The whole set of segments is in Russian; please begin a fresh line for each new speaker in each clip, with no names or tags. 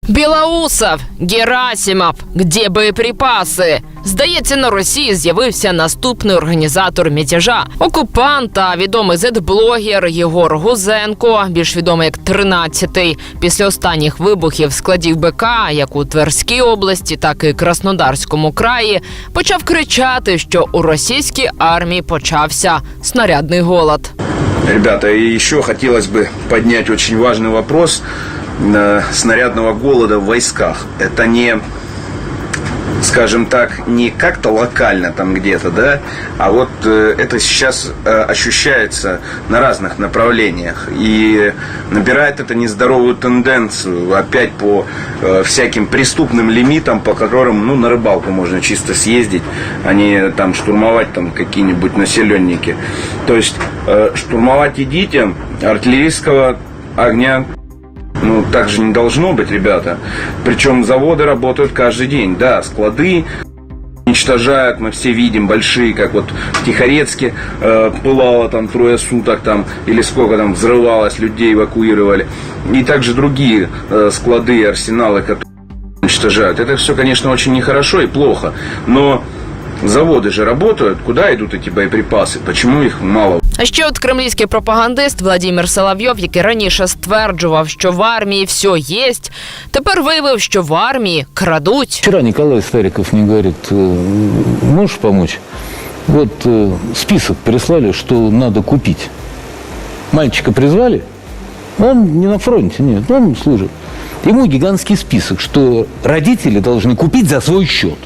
Білоусов, Герасимов, де боєприпаси? Здається, на Росії з'явився наступний організатор мятежа. Окупант та відомий зет-блогер Єгор Гузенко, більш відомий як 13-й, після останніх вибухів складів БК, як у Тверській області, так і Краснодарському краї, почав кричати, що у російській армії почався снарядний голод.
Ребята, и еще хотелось бы поднять очень важный вопрос снарядного голода в войсках. Это не, скажем так, не как-то локально там где-то, да, а вот это сейчас ощущается на разных направлениях и набирает это нездоровую тенденцию опять по всяким преступным лимитам, по которым, ну, на рыбалку можно чисто съездить, а не там штурмовать там какие-нибудь населенники. То есть штурмовать идите, артиллерийского огня ну, так же не должно быть, ребята. Причем заводы работают каждый день. Да, склады уничтожают, мы все видим, большие, как вот в Тихорецке пылало там 3 суток, там, или сколько там взрывалось, людей эвакуировали. И также другие склады, арсеналы, которые уничтожают. Это все, конечно, очень нехорошо и плохо. Но заводы же работают. Куда идут эти боеприпасы? Почему их мало?
А ще от кремлівський пропагандист Владимир Соловйов, який раніше стверджував, що в армії все єсть, тепер виявив, що в армії крадуть.
Вчера Николай Стариков мне говорит, можешь помочь? Вот список прислали, что надо купить. Мальчика призвали, он не на фронте, нет, он служит. Ему гигантский список, что родители должны купить за свой счет.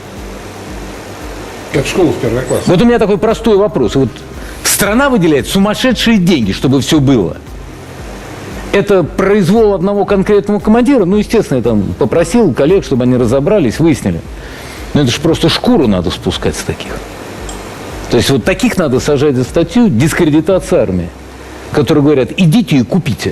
Как школу в первый класс.
Вот у меня такой простой вопрос. Вот страна выделяет сумасшедшие деньги, чтобы все было. Это произвол одного конкретного командира? Ну, естественно, я там попросил коллег, чтобы они разобрались, выяснили. Но это же просто шкуру надо спускать с таких. То есть вот таких надо сажать за статью дискредитация армии, которые говорят, идите и купите.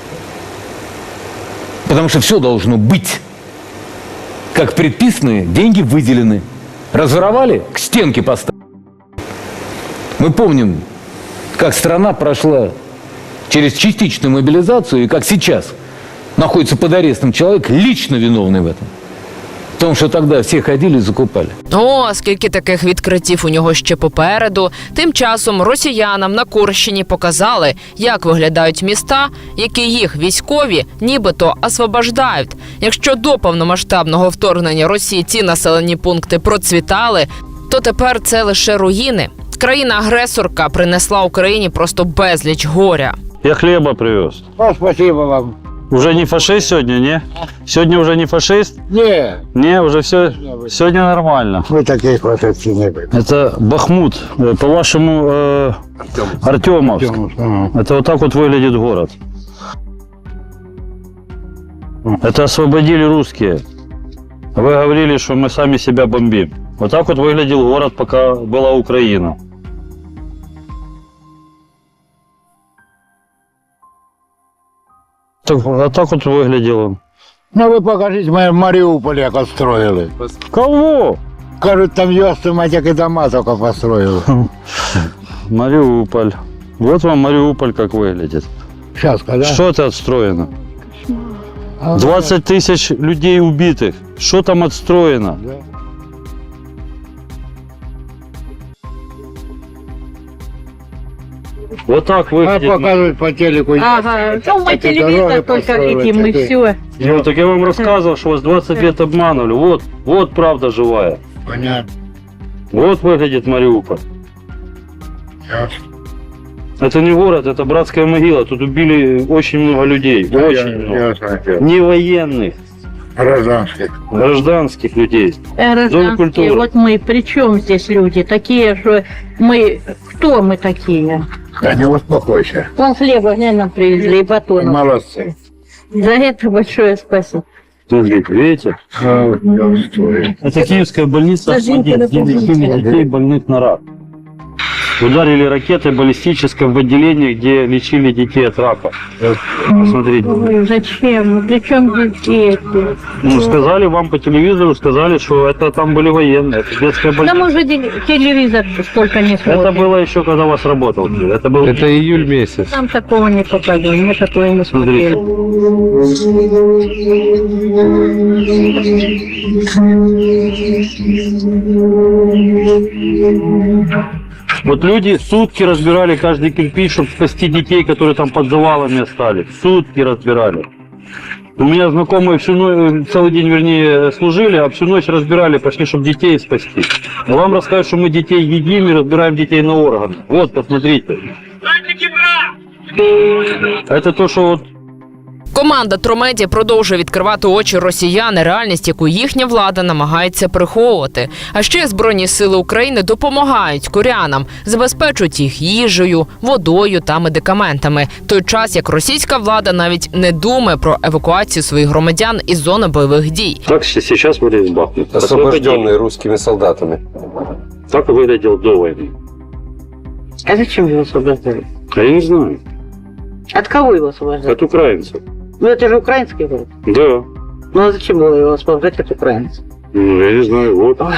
Потому что все должно быть. Как предписаны, деньги выделены. Разворовали, к стенке поставили. Мы помним, как страна прошла через частичную мобилизацию, и как сейчас находится под арестом человек, лично виновный в этом. В тому, що тоді всі ходили і закупали.
О, скільки таких відкриттів у нього ще попереду. Тим часом росіянам на Курщині показали, як виглядають міста, які їх військові нібито освобождають. Якщо до повномасштабного вторгнення Росії ці населені пункти процвітали, то тепер це лише руїни. Країна-агресорка принесла Україні просто безліч горя.
Я хлеба привез.
Спасибо вам.
Уже не фашист сегодня, не? Сегодня уже не фашист?
Не,
Не, уже все. Сегодня нормально.
мы таких фашистов не были.
Это Бахмут, по-вашему, Артемовск. Это вот так вот выглядит город. Это освободили русские. Вы говорили, что мы сами себя бомбим. Вот так вот выглядел город, пока была Украина. А так вот выглядел он.
Ну вы покажите, мы в Мариуполе как отстроили.
Кого?
Кажут, там ястоматик и дома только построил.
Мариуполь. Вот вам Мариуполь как выглядит.
Сейчас, когда?
Что это отстроено? 20 тысяч людей убитых. Что там отстроено? Вот так выглядит.
Показывают по телеку.
Ага, ну мы телевизор только видим, и все.
Ну, так я вам рассказывал, что вас 20 лет обманывали. Вот правда живая.
Понятно.
Вот выглядит Мариуполь. Это не город, это братская могила. Тут убили очень много людей. Очень много. Не военных,
Гражданских.
гражданских людей. Зона
Гражданские,
культуры.
вот мы, при чем здесь люди? Такие, что мы, кто мы такие?
Да не успокойся.
Вон хлеба нам привезли и батон.
Молодцы.
За это большое спасибо.
Смотрите, видите? Это киевская больница, детей больных на рак. Ударили ракетой баллистической в отделении, где лечили детей от рака. Посмотрите.
Ой, зачем? Ну, при чем дети?
Ну, сказали вам по телевизору, сказали, что это там были военные. Это детская
Да
больница.
мы уже телевизор столько не смотрим.
Это было еще, когда у вас работал. Это был...
Это июль месяц.
Нам такого не показывали, мы такое не смотрели.
Вот люди сутки разбирали каждый кирпич, чтобы спасти детей, которые там под завалами остались. Сутки разбирали. У меня знакомые целый день, вернее, служили, а всю ночь разбирали, пошли, чтобы детей спасти. Но вам расскажут, что мы детей едим и разбираем детей на органы. Вот, посмотрите. Это то, что вот
Команда Тромеді продовжує відкривати очі росіян на реальність, яку їхня влада намагається приховувати. А ще Збройні сили України допомагають корянам, забезпечують їх їжею, водою та медикаментами. В той час, як російська влада навіть не думає про евакуацію своїх громадян із зони бойових дій.
так сейчас выглядит Бахмут.
Освобожденный русскими солдатами.
Так выглядел до войны.
А зачем его освобождали?
А я не знаю.
От кого его освобождали?
От украинцев.
Ну это же украинский город.
Да.
Ну а зачем было его освобождать от украинцев?
Ну, я не знаю, вот.
Ой,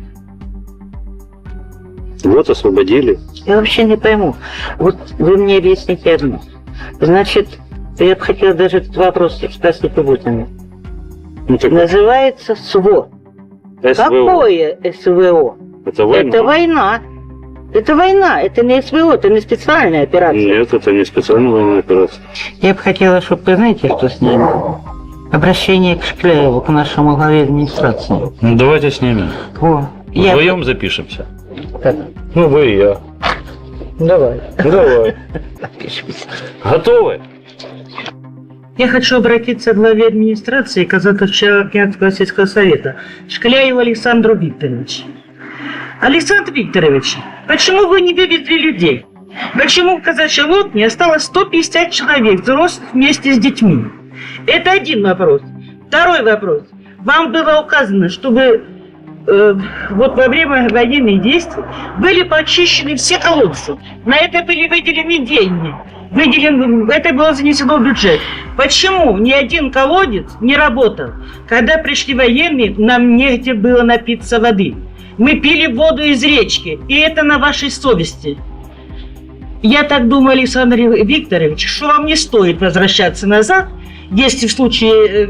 Вот освободили.
я вообще не пойму. Вот вы мне объясните одно. Значит, я бы хотела даже этот вопрос спросить у Путина.
Ну, так
Называется СВО.
СВО.
Какое СВО?
Это война?
Это война. Это война, это не СВО, это не специальная операция.
Нет, это не специальная военная операция.
Я бы хотела, чтобы вы знаете, что с ними? Обращение к Шкляеву, к нашему главе администрации.
Ну, давайте снимем.
Во.
Вдвоем запишемся.
Так,
Ну, вы и я.
давай.
Давай. Готовы?
Я хочу обратиться к главе администрации Казахстанского сельского совета Шкляеву Александру Викторовичу. Александр Викторович, почему вы не вывезли людей? Почему в казачьей лодке осталось 150 человек, взрослых вместе с детьми? Это один вопрос. Второй вопрос. Вам было указано, чтобы вот во время военных действий были почищены все колодцы. На это были выделены деньги. Это было занесено в бюджет. Почему ни один колодец не работал? Когда пришли военные, нам негде было напиться воды. Мы пили воду из речки, и это на вашей совести. Я так думаю, Александр Викторович, что вам не стоит возвращаться назад, если в случае,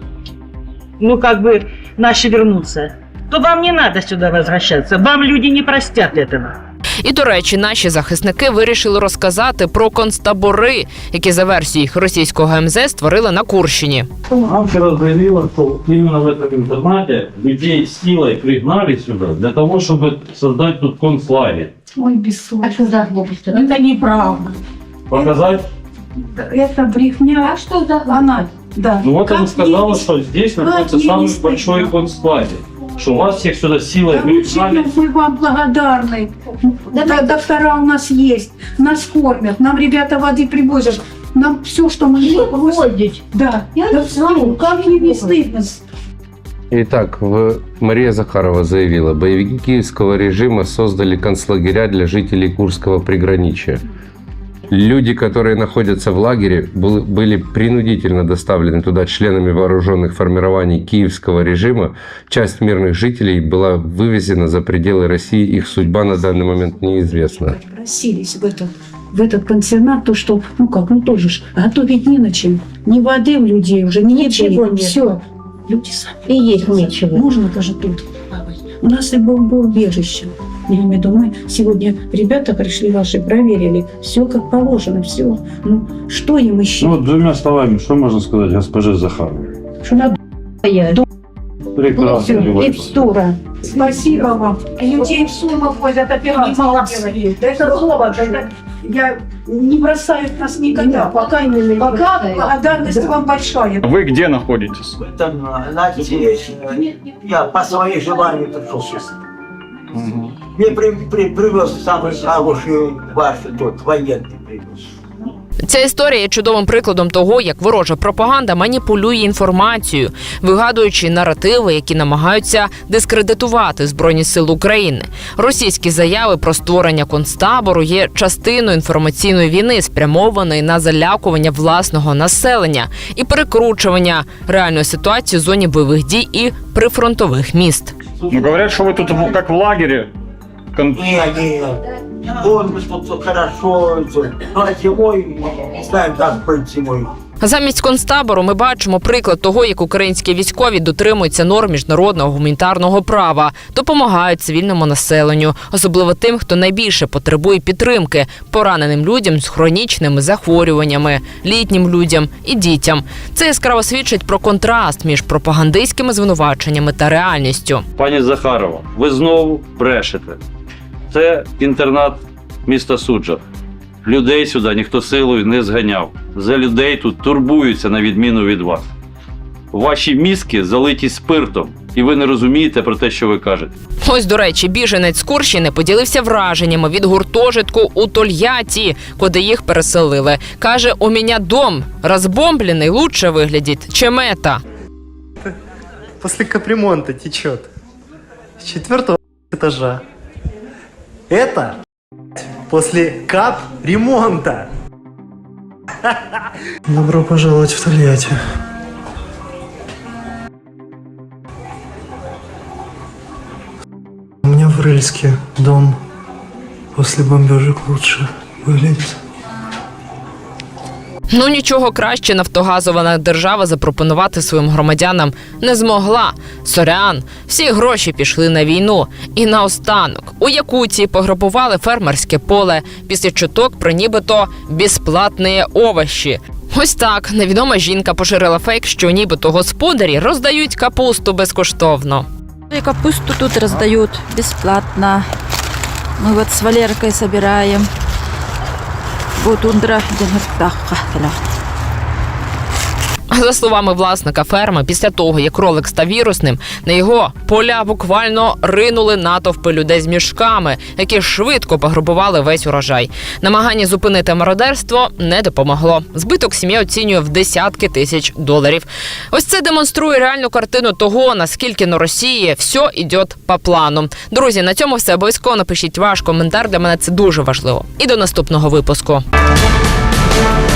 наши вернутся, то вам не надо сюда возвращаться, вам люди не простят этого.
І, до речі, наші захисники вирішили розказати про концтабори, які за версією російського МЗС створили на Курщині.
Нам вчера заявила, что именно в этом интернате людей силой пригнали сюда для того, чтобы создать тут концлагерь.
Ой, бессовестно. Это неправда.
Показать?
Это брехня. А что за она? Да.
Ну вот
Как
она сказала,
ей-
что здесь
как
находится
ей
самый
не стыдно?
большой концлагерь. Что вас всех сюда силой пригнали.
Мы вам благодарны. Доктора у нас есть, нас кормят, нам ребята воды привозят, нам все, что мы просим. Да. Да, как ей не стыдно?
Итак, Мария Захарова заявила, боевики киевского режима создали концлагеря для жителей Курского приграничья. Люди, которые находятся в лагере, были принудительно доставлены туда членами вооруженных формирований киевского режима. Часть мирных жителей была вывезена за пределы России. Их судьба на данный момент неизвестна.
Просились в этот пансионат, то что, тоже ж, готовить не на чем. Ни воды у людей уже, ничего нет. Все. Люди сами.
И есть нечего.
Можно даже тут плавать. У нас и было убежище. Я имею в виду, мы сегодня, ребята пришли ваши, проверили, все как положено, все. Ну, что им еще?
Ну, двумя словами, что можно сказать госпоже Захаровой?
Что надо?
Прекрасно.
И встора. Спасибо вам. Людей в суммах возят операции. Это слово, я не бросают нас никогда. Пока благодарность вам большая.
Вы где находитесь?
Я по своей желанию пришел сюда. Мне привез самый хороший ваш тот военный привез.
Ця історія є чудовим прикладом того, як ворожа пропаганда маніпулює інформацією, вигадуючи наративи, які намагаються дискредитувати Збройні сили України. Російські заяви про створення концтабору є частиною інформаційної війни, спрямованої на залякування власного населення і перекручування реальної ситуації в зоні бойових дій і прифронтових міст.
Ну, говорят, что вы тут как в лагере.
Он тут хорошо, а зимой, ставим так перед зимой.
Замість концтабору ми бачимо приклад того, як українські військові дотримуються норм міжнародного гуманітарного права, допомагають цивільному населенню, особливо тим, хто найбільше потребує підтримки – пораненим людям з хронічними захворюваннями, літнім людям і дітям. Це яскраво свідчить про контраст між пропагандистськими звинуваченнями та реальністю.
Пані Захарова, ви знову брешете. Це інтернат міста Суджа. Людей сюди ніхто силою не зганяв. За людей тут турбуються на відміну від вас. Ваші мізки залиті спиртом, і ви не розумієте про те, що ви кажете.
Ось, до речі, біженець з Курщини поділився враженнями від гуртожитку у Тольятті, куди їх переселили. Каже, у мене дом розбомблений лучше виглядить, чем это.
После капремонта течет. С 4-го этажа. Это после капремонта. Добро пожаловать в Тольятти. У меня в Рыльске дом после бомбежек лучше выглядит.
Ну нічого краще нафтогазова держава запропонувати своїм громадянам не змогла. Сорян, всі гроші пішли на війну. І наостанок, у Якутії пограбували фермерське поле, після чуток про нібито безплатні овочі. Ось так невідома жінка поширила фейк, що нібито господарі роздають капусту безкоштовно.
И капусту тут раздают бесплатно. Мы вот с Валеркой собираем. Тундра.
За словами власника ферми, після того, як кролик став вірусним, на його поля буквально ринули натовпи людей з мішками, які швидко пограбували весь урожай. Намагання зупинити мародерство не допомогло. Збиток сім'я оцінює в десятки тисяч доларів. Ось це демонструє реальну картину того, наскільки на Росії все йде по плану. Друзі, на цьому все. Обов'язково напишіть ваш коментар, для мене це дуже важливо. І до наступного випуску.